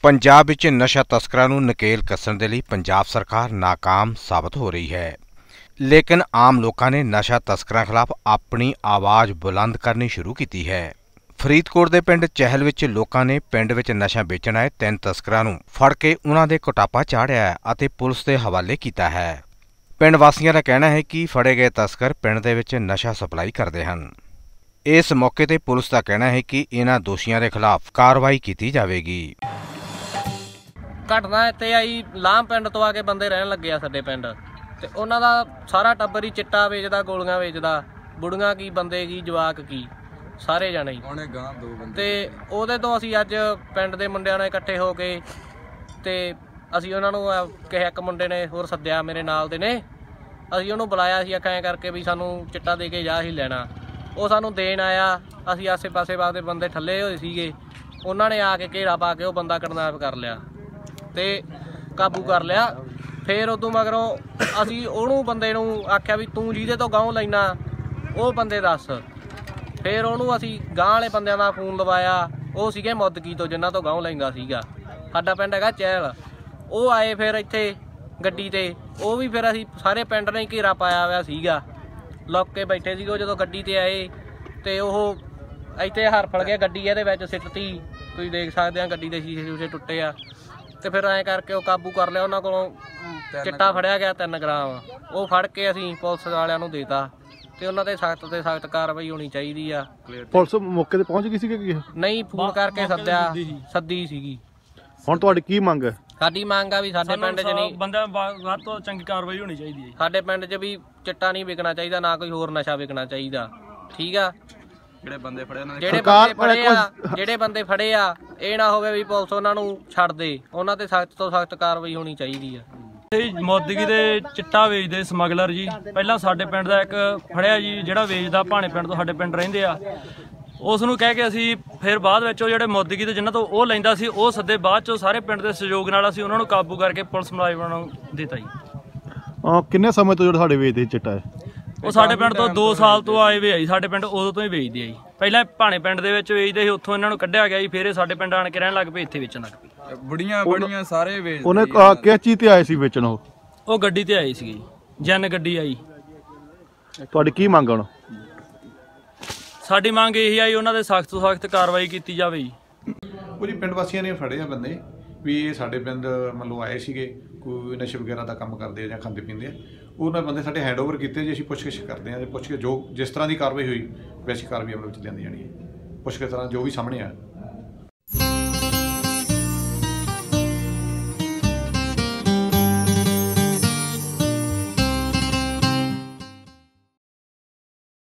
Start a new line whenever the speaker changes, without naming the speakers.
पंजाब विच नशा तस्करां नूं नकेल कस्सण दे लई पंजाब सरकार नाकाम साबित हो रही है, लेकिन आम लोगों ने नशा तस्करां खिलाफ अपनी आवाज़ बुलंद करनी शुरू की है। फरीदकोट के पिंड चहल विच लोकां ने पिंड विच नशा बेचण आए 3 तस्करां नूं फड़ के उन्हां दे कुटापा चाढ़िया अते पुलिस दे हवाले कीता है। पिंड वासियों का कहना है कि फड़े गए तस्कर पिंड दे विच नशा सप्लाई करते हैं। इस मौके ते पुलिस का कहना है कि इन्हां दोषियों के खिलाफ कार्रवाई की जाएगी।
घटना इत्थे आई लाम पिंड तो आके बंदे रहन लगे आ साडे पिंड ते उन्हां दा सारा टब्बर ही चिट्टा वेचदा, गोलियां वेचदा, बुढ़ियां की बंदे की जवाक की सारे जाने ते ओहदे तो असीं अज पिंड दे मुंडियां ने इकट्ठे हो के ते असीं उन्हां नूं कहा, एक मुंडे ने होर सद्दिया मेरे नाल दे ने, असीं उहनूं बुलाया, असीं आखिआ करके भी सानूं चिट्टा दे के जा, असीं लैणा। ਉਹ ਸਾਨੂੰ ਦੇਣ ਆਇਆ, ਅਸੀਂ ਆਸੇ ਪਾਸੇ ਵਾਦੇ ਬੰਦੇ ਠੱਲੇ ਹੋਏ ਸੀਗੇ, ਉਹਨਾਂ ਨੇ ਆ ਕੇ ਘੇਰਾ ਪਾ ਕੇ ਉਹ ਬੰਦਾ ਕਿਡਨੈਪ ਕਰ ਲਿਆ ਤੇ ਕਾਬੂ ਕਰ ਲਿਆ। ਫਿਰ ਉਦੋਂ ਮਗਰੋਂ ਅਸੀਂ ਉਹਨੂੰ ਬੰਦੇ ਨੂੰ ਆਖਿਆ ਵੀ ਤੂੰ ਜਿਹਦੇ ਤੋਂ ਗਾਂਹ ਲੈਣਾ ਉਹ ਬੰਦੇ ਦੱਸ। ਫਿਰ ਉਹਨੂੰ ਅਸੀਂ ਗਾਂਹ ਵਾਲੇ ਬੰਦਿਆਂ ਦਾ ਫੋਨ ਲਵਾਇਆ, ਉਹ ਸੀਗੇ ਮੁੱਦਕੀ ਤੋਂ ਜਿਨ੍ਹਾਂ ਤੋਂ ਗਾਂਹ ਲੈਂਦਾ ਸੀਗਾ। ਸਾਡਾ ਪਿੰਡ ਹੈਗਾ ਚਹਿਲ। ਉਹ ਆਏ ਫਿਰ ਇੱਥੇ ਗੱਡੀ ਤੇ, ਉਹ ਵੀ ਫਿਰ ਅਸੀਂ ਸਾਰੇ ਪਿੰਡ ਨੇ ਘੇਰਾ ਪਾਇਆ ਹੋਇਆ ਸੀਗਾ, लुक के बैठे सी। जो गड्डी ते आए तो वह इतने हरफल गया, गड्डी ये सिटती, तुम देख सकते हैं गड्डी के शीशे शूशे टुटे आ। तो फिर ऐ करके काबू कर लिया, उन्होंने को चिट्टा फड़िया गया 3 ग्राम, वो फड़ के असीं पुलिस वालियां नूं देता ते उन्हां ते सख्त कार्रवाई होनी चाहिए आ।
पुलिस मौके ते पहुंच गई सी? नहीं,
फोन करके सद्दी सीगी।
हुण तुहाडी की मंग है?
साडी मंग आ भी साडे पिंड च नहीं
बंदा वध तो चंगी कार्रवाई होनी चाहिए।
साडे पिंड च भी चिट्टा नहीं विकना चाहिए, ना कोई होर नशा विकना चाहिए। ठीक आ, ਜਿਹੜੇ ਬੰਦੇ ਫੜੇ ਆ ਇਹ ਨਾ ਹੋਵੇ ਵੀ ਪੁਲਿਸ ਉਹਨਾਂ ਨੂੰ ਛੱਡ ਦੇ, ਉਹਨਾਂ ਤੇ ਸਖਤ ਤੋਂ ਸਖਤ ਕਾਰਵਾਈ ਹੋਣੀ ਚਾਹੀਦੀ ਆ।
ਮੋਦਗੀ ਦੇ ਚਿੱਟਾ ਵੇਚਦੇ ਸਮਗਲਰ ਜੀ, ਪਹਿਲਾਂ ਸਾਡੇ ਪਿੰਡ ਦਾ ਇੱਕ ਫੜਿਆ ਜੀ, ਜਿਹੜਾ ਵੇਚਦਾ ਭਾਣੇ ਪਿੰਡ ਤੋਂ ਸਾਡੇ ਪਿੰਡ ਰਹਿੰਦੇ ਆ, ਉਸ ਨੂੰ ਕਹਿ ਕੇ ਅਸੀਂ ਫਿਰ ਬਾਅਦ ਵਿੱਚ ਉਹ ਜਿਹੜੇ ਮੋਦਗੀ ਦੇ ਜਿਨ੍ਹਾਂ ਤੋਂ ਉਹ ਲੈਂਦਾ ਸੀ ਉਹ ਸੱਦੇ, ਬਾਅਦ ਚੋਂ ਸਾਰੇ ਪਿੰਡ ਦੇ ਸਹਿਯੋਗ ਨਾਲ ਅਸੀਂ ਉਹਨਾਂ ਨੂੰ ਕਾਬੂ ਕਰਕੇ ਪੁਲਿਸ ਮੁਲਾਜ਼ਮਾਂ ਨੂੰ ਦਿੱਤਾ ਜੀ।
ਕਿੰਨੇ ਸਮੇਂ ਤੋਂ ਜਿਹੜਾ ਸਾਡੇ ਵੇਚਦੇ ਚਿੱਟਾ ਹੈ?
ਉਹ ਸਾਡੇ ਪਿੰਡ ਤੋਂ 2 ਸਾਲ ਤੋਂ ਆਏ ਵੇ ਆ ਜੀ, ਸਾਡੇ ਪਿੰਡ ਉਦੋਂ ਤੋਂ ਹੀ ਵੇਚਦੇ ਆ ਜੀ। ਪਹਿਲਾਂ ਭਾਣੇ ਪਿੰਡ ਦੇ ਵਿੱਚ ਵੇਚਦੇ ਸੀ, ਉੱਥੋਂ ਇਹਨਾਂ ਨੂੰ ਕੱਢਿਆ ਗਿਆ ਜੀ, ਫਿਰ ਇਹ ਸਾਡੇ ਪਿੰਡ ਆਣ ਕੇ ਰਹਿਣ ਲੱਗ ਪਏ, ਇੱਥੇ ਵੇਚਣ ਲੱਗ ਪਏ।
ਬੜੀਆਂ ਸਾਰੇ ਵੇਚਦੇ।
ਉਹਨੇ ਕਿਸ ਚੀਜ਼ ਤੇ ਆਏ ਸੀ ਵੇਚਣ?
ਉਹ ਗੱਡੀ ਤੇ ਆਏ ਸੀਗੇ, ਜਨ ਗੱਡੀ ਆਈ।
ਤੁਹਾਡੀ ਕੀ ਮੰਗ ਹੁਣ?
ਸਾਡੀ ਮੰਗ ਇਹੀ ਆਈ, ਉਹਨਾਂ ਦੇ ਸਖਤ ਤੋਂ ਸਖਤ ਕਾਰਵਾਈ ਕੀਤੀ ਜਾਵੇ ਜੀ।
ਉਹ ਜੀ ਪਿੰਡ ਵਾਸੀਆਂ ਨੇ ਫੜੇ ਆ ਬੰਦੇ ਵੀ ਇਹ ਸਾਡੇ ਪਿੰਡ ਮੱਲੋਂ ਆਏ ਸੀਗੇ, ਕੋਈ ਨਸ਼ੇ ਵਗੈਰਾ ਦਾ ਕੰਮ ਕਰਦੇ ਆ ਜਾਂ ਖਾਂਦੇ ਪੀਂਦੇ ਆ। ਉਹਨਾਂ ਬੰਦੇ ਸਾਡੇ ਹੈਂਡਓਵਰ ਕੀਤੇ ਜੀ, ਅਸੀਂ ਪੁੱਛਗਿੱਛ ਕਰਦੇ ਹਾਂ। ਪੁੱਛ ਕੇ ਜੋ ਜਿਸ ਤਰ੍ਹਾਂ ਦੀ ਕਾਰਵਾਈ ਹੋਈ ਵੈਸੀ ਕਾਰਵਾਈ ਅਮਲ ਵਿੱਚ ਲਿਆਂਦੀ ਜਾਣੀ ਹੈ। ਪੁੱਛ ਕੇ ਤਰ੍ਹਾਂ ਜੋ ਵੀ ਸਾਹਮਣੇ ਆ